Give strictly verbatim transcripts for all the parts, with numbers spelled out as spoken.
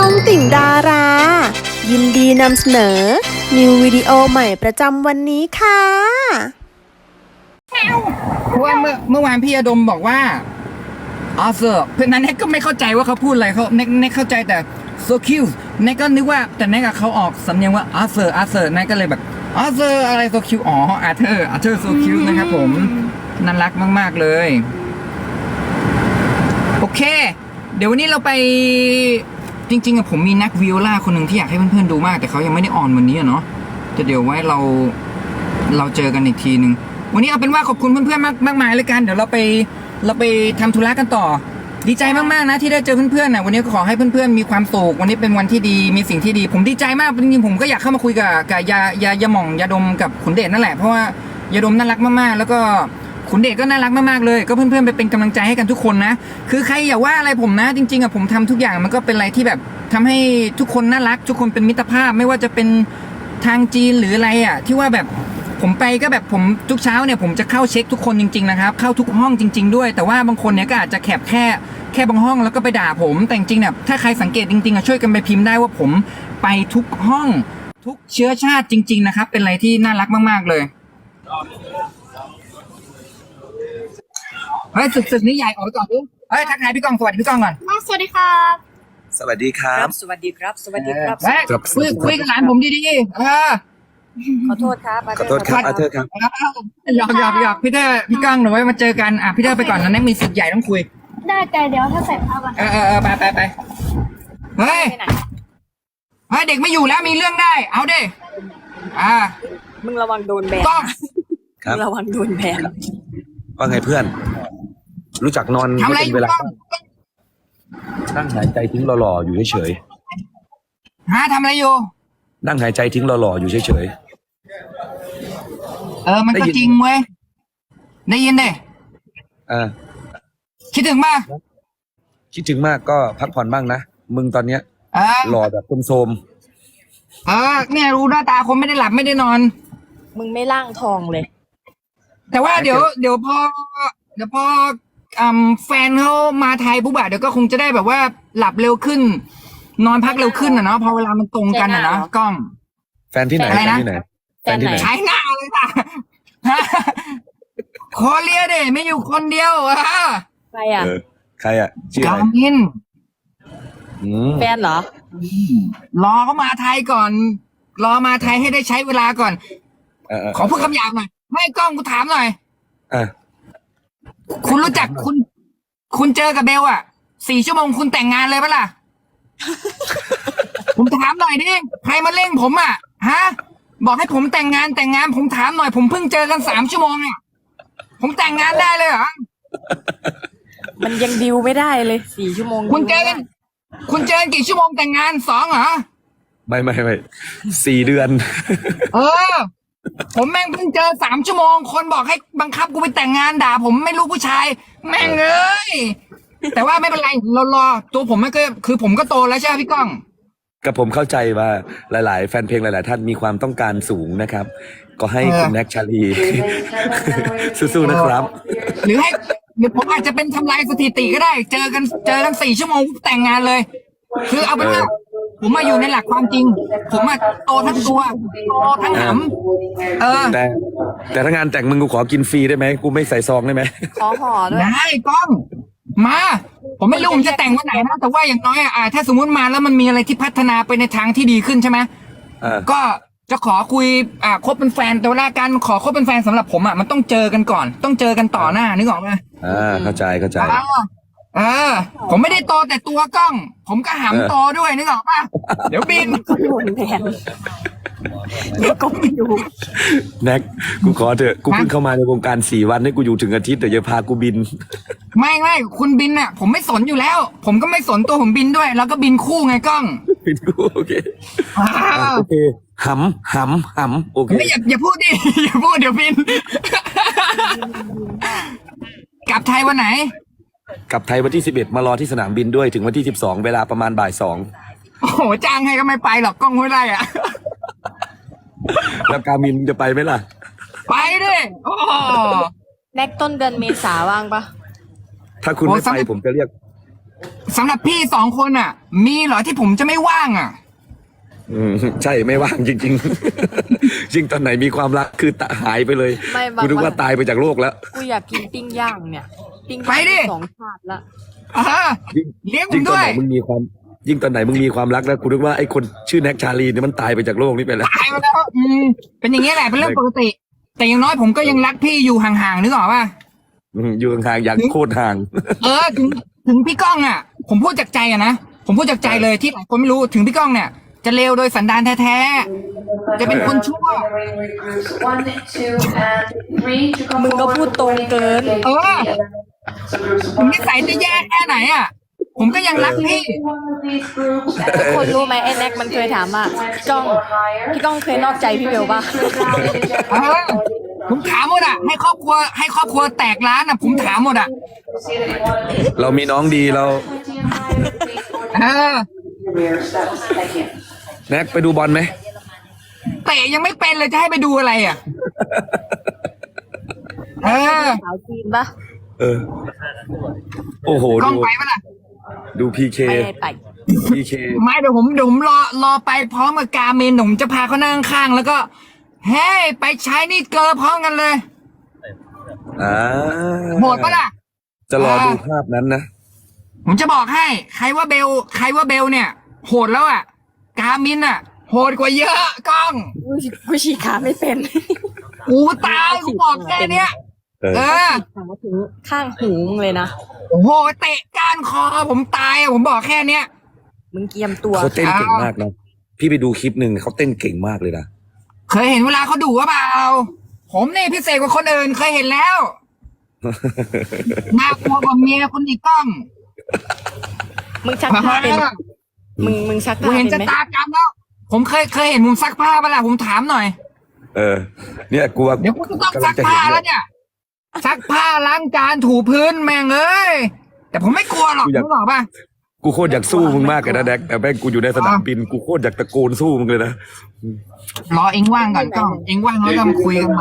องติ่งดารา ยินดีนำเสนอ นิววิดีโอใหม่ประจำวันนี้ค่ะเพราะว่าเมื่อเมื่อวานพี่อดมบอกว่าอาเซอร์เพื่อนนั้นเน็กก็ไม่เข้าใจว่าเขาพูดอะไรเขาเน็กเน็กเข้าใจแต่ so cute เน็กก็นึกว่าแต่เน็กกับเขาออกสำเนียงว่าอาเซอร์อาเซอร์เน็กก็เลยแบบอาเซอร์อะไร so cute อ๋ออาเธอร์อาเธอร์ so cute นะครับผมน่ารักมากๆเลยโอเคเดี๋ยววันนี้เราไปจริงๆอะผมมีนักวิโอลาคนหนึ่งที่อยากให้เพื่อนๆดูมากแต่เขายังไม่ได้ออนวันนี้อะเนาะจะเดี๋ยวไว้เราเราเจอกันอีกทีหนึ่งวันนี้เอาเป็นว่าขอบคุณเพื่อนๆมากมากมายเลยกันเดี๋ยวเราไปเราไปทำธุระกันต่อดีใจมากๆนะที่ได้เจอเพื่อนๆนะวันนี้ก็ขอให้เพื่อนๆมีความสุขวันนี้เป็นวันที่ดีมีสิ่งที่ดีผมดีใจมากจริงๆผมก็อยากเข้ามาคุยกับกับยายายาหม่องยาดมกับขุนเดชนั่นแหละเพราะว่ายาดมน่ารักมากๆแล้วก็ขุนเดชก็น่ารักมากๆเลยก็เพื่อนๆไปเป็นกำลังใจให้กันทุกคนนะคือใครอย่าว่าอะไรผมนะจริงๆอะผมทำทุกอย่างมันก็เป็นอะไรที่แบบทำให้ทุกคนน่ารักทุกคนเป็นมิตรภาพไม่ว่าจะเป็นทางจีนหรืออะไรอะที่ว่าแบบผมไปก็แบบผมทุกเช้าเนี่ยผมจะเข้าเช็คทุกคนจริงๆนะครับเข้าทุกห้องจริงๆด้วยแต่ว่าบางคนเนี่ยก็อาจจะแคบแค่แค่บางห้องแล้วก็ไปด่าผมแต่จริงๆเนี่ยถ้าใครสังเกตจริงๆอะช่วยกันไปพิมพ์ได้ว่าผมไปทุกห้องทุกเชื้อชาติจริงๆนะครับเป็นอะไรที่น่ารักมากๆเลยเฮ้ยศึกๆนี้ใหญ่ออกไปก่อนดูเฮ้ยทักทายพี่กองสวัสดีพี่กองก่อนสวัสดีครับสวัสดีครับสวัสดีครับ สวัสดีครับเฮ้ยคุยคุยกับหลานผมดีๆเออขอโทษครับขอโทษครับอาเธอร์ครับหยอกหยอกหยอกพี่เธอพี่ก้องหนูไว้มาเจอกันอ่ะพี่เธอไปก่อนนะแน็กมีศึกใหญ่ต้องคุยได้ใจเดี๋ยวถ้าใส่ผ้าก่อนเออเออเออไปไปไปเฮ้ยไปไหนเฮ้ยเด็กไม่อยู่แล้วมีเรื่องได้ เอาดิอ่ามึงระวังโดนแบนต้องครับมึงระวังโดนแบนว่าไงเพื่อน รู้จักนอนทำอะไรไม่อเป็นยู่เวลาต้องนั่งหายใจทิ้งหล่อๆอยู่เฉยฮะทำอะไรอยู่ๆนั่งหายใจทิ้งหล่อๆอยู่เฉยเออมันก็จริงเว้ยได้ยินเด้ๆอ่าคิดถึงป่ะคิดถึงมากก็พักผ่อนบ้างนะมึงตอนเนี้ยเออหล่อแบบโทรมเออเนี่ยรู้หน้าตาคนไม่ได้หลับไม่ได้นอนมึงไม่ล่างทองเลยแต่ว่าเดี๋ยวเดี๋ยวพอเดี๋ยวพออืมแฟนเขามาไทยปุ๊บอะเดี๋ยวก็คงจะได้แบบว่าหลับเร็วขึ้น นอนพักเร็วขึ้นอะเนาะพอเวลามันตรงกันอะเนาะกล้องๆแฟนที่ไหนอะไรแฟนนะที่ไหนแฟนที่ไหนใช้หน้าเลยค่ะ ขอเลียเดไม่อยู่คนเดียวอะใครอ่ะเออใครอ่ะชื่ออะกาไรมินอืมแฟนเหรอรอเขามาไทยก่อน รอมาไทยให้ได้ใช้เวลาก่อนเออเออขอพูดคำหยาบหน่อยให้กล้องกูถามหน่อยอ่ะคุณรู้จักคุณ คุณเจอกับเบลอะสี่ชั่วโมงคุณแต่งงานเลยปะล่ะ ผมถามหน่อยดิใครมาเร่งผมอะฮะ บอกให้ผมแต่งงานแต่งงานผมถามหน่อย ผมเพิ่งเจอกันสามชั่วโมงอะผมแต่งงานได้เลยเหรอมันยังดิวไม่ได้เลยสี่ชั่วโมงคุณเจอกัน คุณเจอกันกี่ชั่วโมงแต่งงานสองเหรอไม่ไม่ไม่สี่เดือนเออ ผมแม่งเพิ่งเจอสามชั่วโมง คนบอกให้บังคับกูไปแต่งงานด่า ผมไม่รู้ผู้ชาย แม่งเอ้ย แต่ว่าไม่เป็นไรรอรอตัวผมไม่ก็คือผมก็โตแล้วใช่ไหมพี่ก้องกับผมเข้าใจว่าหลาย ๆ แฟนเพลงหลาย ๆ ท่านมีความต้องการสูงนะครับ ก็ให้คุณแน็กชาลี สู้ๆนะครับหรือให้หรือผมอาจจะเป็นทำลายสถิติก็ได้ เจอกันเจอกันสี่ชั่วโมงแต่งงานเลย คือเอาเป็นว่าผมมาอยู่ในหลักความจริง ผมมาโตทั้งตัวโตทั้งหำเออแต่แต่ถ้างานแต่งมึงกูขอกินฟรีได้ไหมกูไม่ใส่ซองได้ไหมขอห่อด้วยได้กล้อง มา ผมไม่รู้ผมจะแต่งวันไหนนะแต่ว่าอย่างน้อยอ่ะถ้าสมมติมาแล้วมันมีอะไรที่พัฒนาไปในทางที่ดีขึ้นใช่ไหมอ่าก็จะขอคุยอ่าคบเป็นแฟนแต่เวลาการขอคบเป็นแฟนสำหรับผมอ่ะมันต้องเจอกันก่อน ต้องเจอกันต่อหน้านึกออกไหมอ่าเข้าใจเข้าใจอ่าเออ ผมไม่ได้โตแต่ตัวกล้อง ผมก็หำโตด้วยนึกออกป่ะเดี๋ยวบินก็โดนแบนเดี๋ยวก็ไม่อยู่แน็กกูขอเถอะกูเพิ่งเข้ามาในวงการสี่วันให้กูอยู่ถึงอาทิตย์แต่อย่าพากูบินไม่ไม่คุณบินอ่ะ ผมไม่สนอยู่แล้ว ผมก็ไม่สนตัวผมบินด้วย แล้วก็บินคู่ไงกล้องบินกูโอเคอ่าโอเคหำหำหำโอเคไม่อย่าอย่าพูดดิ อย่าพูดเดี๋ยวบิน กลับไทยวันไหนกลับไทยวันที่สิบเอ็ดมารอที่สนามบินด้วยถึงวันที่สิบสองเวลาประมาณบ่ายสองโอ้โหจ้างให้ก็ไม่ไปหรอกกล้องห้วยไร่อ่ะแล้วกามินจะไปไหมล่ะไปดิโอ้แน็กต้นเดือนเมษาว่างปะถ้าคุณโอ้ไม่สำไปหรับผมจะเรียกสำหรับพี่สองคนอ่ะ มีเหรอที่ผมจะไม่ว่างอ่ะอืมใช่ไม่ว่างจริงๆ จริงตอนไหนมีความรักคือตะหายไปเลยไม่บางกูนึกวัว่าน ตายไปจากโลกแล้วกูอยากกินปิ้งย่างเนี่ย ปิ้งไปย่างดิสองชาติละอ่ายิ่งเลี้ยงผยิ่มงตอนด้วไหนยมึงมีความยิ่งตอนไหนมึงมีความรักแล้วกูนึกว่าไอ้คนชื่อแน็กชาลีเนี่ยมันตายไปจากโลกนี้ไปแล้วตายไปแล้วอืมเป็นอย่างนี้ยแหละเป็นเรื่องปกติ แต่อย่างน้อยผมก็ยังรักพี่อยู่ห่างๆนึกออกป่ะอืมอยู่ห่างๆอย่างโคตรห่างเออถึงถึงพี่ก้องอ่ะ ผมพูดจากใจอะนะผมพูดจากใจเลยที่หลายคนไม่รู้ถึงพี่ก้องเนี่ย จะเลวโดยสันดานแท้ๆจะเป็นคนชั่วมึงก็พูดตรงเกินเออถึงนิสัยจะแย่แค่ไหนอ่ะ ผมก็ยังรักพี่ทุกคนรู้ไหมไอ้แน็กมันเคยถามว่าพี่ก้องพี่ก้องเคยนอกใจพี่เบลป่ะเออผมถามหมดอ่ะให้ครอบครัวให้ครอบครัวแตกร้านอ่ะผมถามหมดอ่ะเรามีน้องดีเราเออแน็กไปดูบอลไหมเตะยังไม่เป็นเลยจะให้ไปดูอะไรอ่ะ เออสาวจีนป่ะเออ โอ้โหกล้อดูงไปปะล่ะดูพีเคไปไปพีเคไม่เดี๋ยวผมเดี๋ยวผมรอรอไปพร้อมกับกาเมนผมจะพาเขานั่งข้างแล้วก็เฮ้ยไปใช้นี่เกอพร้อมกันเลยอ่าโหดปะล่ะจะรอดูภาพนั้นนะผมจะบอกให้ ใครว่าเบล ใครว่าเบลเนี่ย โหดแล้วอ่ะ กามินอ่ะ โหดกว่าเยอะกล้องกูกูฉีกขาไม่เป็นกูตายกูบอกแค่เนี้ยเออเออขาถึงข้างหูมึงเลยนะโอ้โหเตะก้านคอผมตายอะผมบอกแค่เนี้ยมึงเกียมตัวเขาเต้นเก่งมากนะพี่ไปดูคลิปหนึ่งเขาเต้นเก่งมากเลยนะเคยเห็นเวลาเขาดุว่าเปล่า ผมนี่พิเศษกว่าคนอื่นเคยเห็นแล้วน่ากลัวกว่าเมียคนอีกกล้องมึงชักผ้าเป็นไหมมึงมึงชักกูผ้าเห็นเป็นจะไหมตากรรมแล้ว ผมเคยเคยเห็นมุมซักผ้าปะล่ะผมถามหน่อยเออ เนี่ยกลัวเดี๋ยวกูจะต้องซักผ้าแล้วเนี่ย ซักผ้าล้างจานถูพื้นแม่งเอ้ย แต่ผมไม่กลัวหรอกรู้หรอกป่ะกูโคตรอยากสู้มึงมากเลยนะแดกแต่แม่งกูอยู่ในสนามบินกูโคตรอยากตะโกนสู้มึงเลยนะรอเองว่างก่อนกล้อง เองว่างแล้วก็มาคุยกันใหม่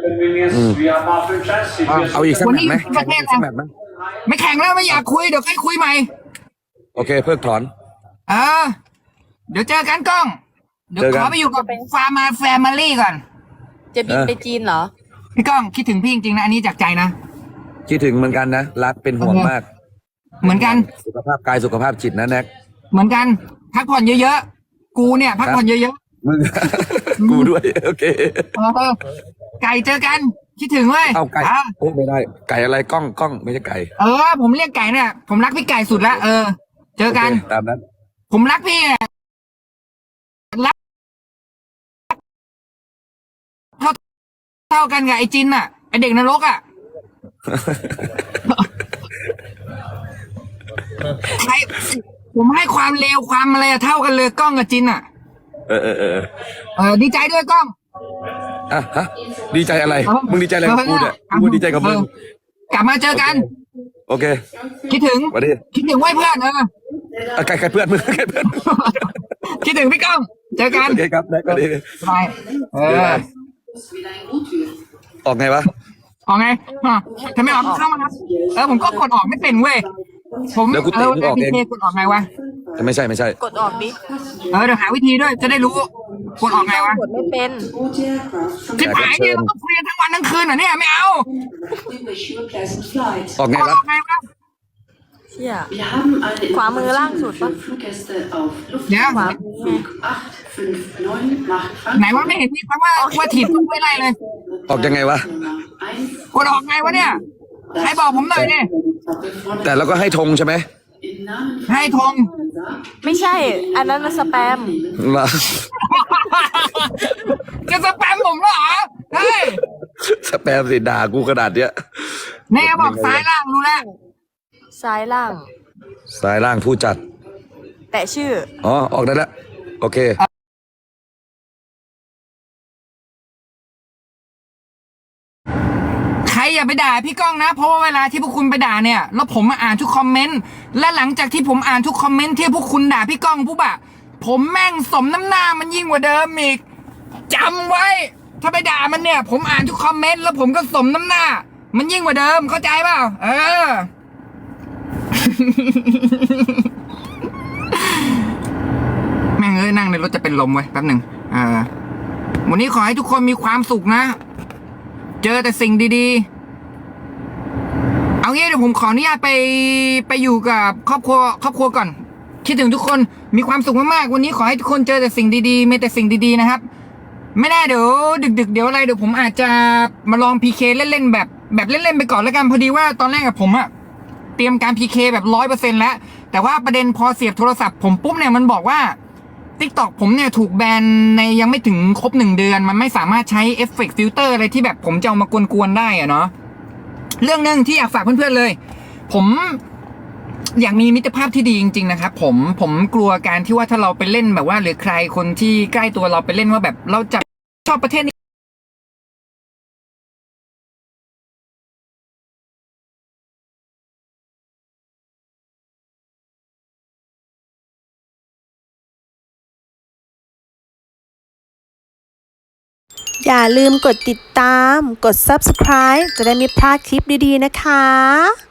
เอาอีกสักวันแมตนี้ช์ไหมอยู่ที่ประเทศสักอะไรแมตช์ไหมไม่แข่งแล้วไม่อยากคุยเดี๋ยวค่อยคุยใหม่โอเคเพิกถอนเออ เดี๋ยวเจอกันกล้อง เดี๋ยวเจอกัขนอไปอยู่กับฟาร์มาแฟมิลี่ก่อนจะบินไปจีนเหรอพี่ก้องคิดถึงพี่จริงๆนะอันนี้จากใจนะคิดถึงเหมือนกันนะรักเป็นห่วงมากเหมือนกันสุขภาพกายสุขภาพจิตนะแน็กเหมือนกัน พักผ่อนเยอะๆ กูเนี่ย พักผ่อนเยอะมึง กูด้วยโอเคๆเออไก่เจอกัน คิดถึงเว้ยเอาไก่อ่ะโอ้ไม่ได้ ไก่อะไรกล้องกล้องไม่ใช่ไก่เออ ผมเรียกไก่เนี่ย ผมรักพี่ไก่สุดละเออ เจอกันโคตามนั้นผมรักพี่อะรักเท่าเท่ากันกับไอ้จินน่ะไอ้เด็กนรกอ่ะ ใครผมให้ความเลวความอะไรอะเท่ากันเลยกล้องกับจินอ่ะเออเออเออเออดีใจด้วยกล้องอ่ะฮะดีใจอะไรเออมึงดีใจอะไรกับกูเนี่ยกูดีใจกับมึงเออกลับมาเจอกันโอเคคิดถึงสวัสดีคิดถึงไว้เพื่อนเอออ่ะไก่ไก่เพื่อนมึงไก่เพื่อนคิดถึงพี่ก้อง เจอกันโอเคครับแน็กสวัสดีไปเออออกไงวะออกไงอ่ะทำไมออกเข้ามาครับเออผมก็กดออกไม่เป็นเว้ยผมเดี๋ยวกูเอเตะอมึงออกพีเองเคกดออกไงวะไม่ใช่ไม่ใช่กดออกดิเออเดี๋ยวหาวิธีด้วยจะได้รู้กดออกไงวะกดไม่เป็นที่ผายเนี่ยเราต้องคุยกันทั้งวันทั้งคืนเหรอเนี่ยไม่เอาออกไงกดวะออกไงวะเชี่ยขวามือล่างสุดปะเดี๋ยวไหนว่าไม่เห็นนี่แปลว่าว่าถีบต้องไม่ได้เลยออกยังไงวะกดออกไงวะเนี่ยให้บอกผมหน่อยดิแต่เราก็ให้ธงใช่ไหมให้ธงไม่ใช่ อันนั้นมันสแปมล่ะจะสแปมผมเหรอเฮ้ยสแปมสิด่ากูขนาดเนี้ยแน่บอกซ้ายล่างรู้แล้วซ้ายล่างสายล่างผู้จัดแตะชื่ออ๋อ ออกได้แล้ว โอเคใครอย่าไปด่าพี่ก้องนะ เพราะว่าเวลาที่พวกคุณไปด่าเนี่ยแล้วผมมาอ่านทุกคอมเมนต์และหลังจากที่ผมอ่านทุกคอมเมนต์ที่พวกคุณด่าพี่ก้องปุ๊บอะผมแม่งสมน้ำหน้ามันยิ่งกว่าเดิมอีกจำไว้ ถ้าไปด่ามันเนี่ย ผมอ่านทุกคอมเมนต์แล้วผมก็สมน้ำหน้า มันยิ่งกว่าเดิมเข้าใจเปล่าเออแม่งเอ้ยนั่งในรถจะเป็นลมเว้ยแป๊บหนึ่งอ่าวันนี้ขอให้ทุกคนมีความสุขนะ เจอแต่สิ่งดีๆเอางี้เดี๋ยวผมขออนุญาตไปไปอยู่กับครอบครัวครอบครัวก่อนคิดถึงทุกคนมีความสุขมากๆวันนี้ขอให้ทุกคนเจอแต่สิ่งดีๆมีแต่สิ่งดีๆนะครับไม่แน่เดี๋ยวดึกๆเดี๋ยวอะไรเดี๋ยวผมอาจจะมาลอง พี เค เล่นๆแบบแบบเล่นๆไปก่อนแล้วกันพอดีว่าตอนแรกกับผมอะเตรียมการ พี เค แบบร้อยเปอร์เซ็นต์แล้วแต่ว่าประเด็นพอเสียบโทรศัพท์ผมปุ๊บเนี่ยมันบอกว่า TikTok ผมเนี่ยถูกแบนในยังไม่ถึงครบหนึ่งเดือนมันไม่สามารถใช้เอฟเฟกต์ฟิลเตอร์อะไรที่แบบผมจะเอามากวนๆได้อะเนาะเรื่องนึงที่อยากฝากเพื่อนๆเลยผมอยากมีมิตรภาพที่ดีจริงๆนะครับผมผมกลัวการที่ว่าถ้าเราไปเล่นแบบว่าหรือใครคนที่ใกล้ตัวเราไปเล่นว่าแบบเราจะชอบประเทศนี้อย่าลืมกดติดตาม กด ซับสไครบ์ จะได้ไม่พลาดคลิปดีๆนะคะ